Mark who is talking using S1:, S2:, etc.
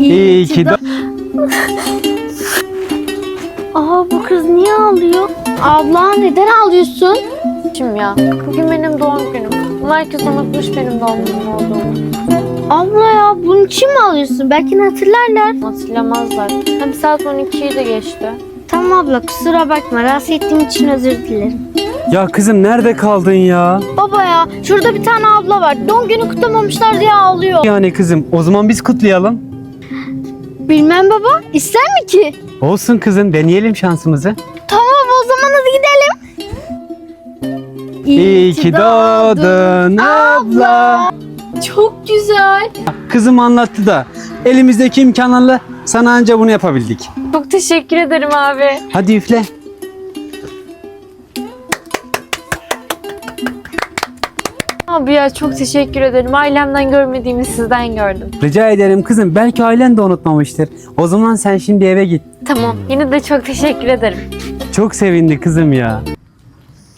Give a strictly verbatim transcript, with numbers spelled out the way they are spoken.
S1: İyi ki de...
S2: Aa, bu kız niye ağlıyor? Abla neden ağlıyorsun?
S3: Şimdi ya, bugün benim doğum günüm. Herkes unutmuş benim doğum günüm olduğumu.
S2: Abla ya, bunun için mi ağlıyorsun? Belki hatırlarlar.
S3: Hatırlamazlar. Hem saat on ikiyi de geçti.
S2: Tamam abla, kusura bakma. Rahatsız ettiğim için özür dilerim.
S1: Ya kızım nerede kaldın ya?
S2: Baba ya, şurada bir tane abla var. Doğum günü kutlamamışlar diye ağlıyor.
S1: Yani kızım o zaman biz kutlayalım.
S2: Bilmem baba, ister mi ki?
S1: Olsun kızım, deneyelim şansımızı.
S2: Tamam, o zaman hadi gidelim.
S1: İyi ki doğdun abla.
S2: Çok güzel.
S1: Kızım anlattı da elimizdeki imkanlarla sana anca bunu yapabildik.
S3: Çok teşekkür ederim abi.
S1: Hadi üfle.
S3: Abi ya çok teşekkür ederim. Ailemden görmediğimi sizden gördüm.
S1: Rica ederim kızım, belki ailen de unutmamıştır. O zaman sen şimdi eve git.
S3: Tamam. Yine de çok teşekkür ederim.
S1: Çok sevindi kızım ya.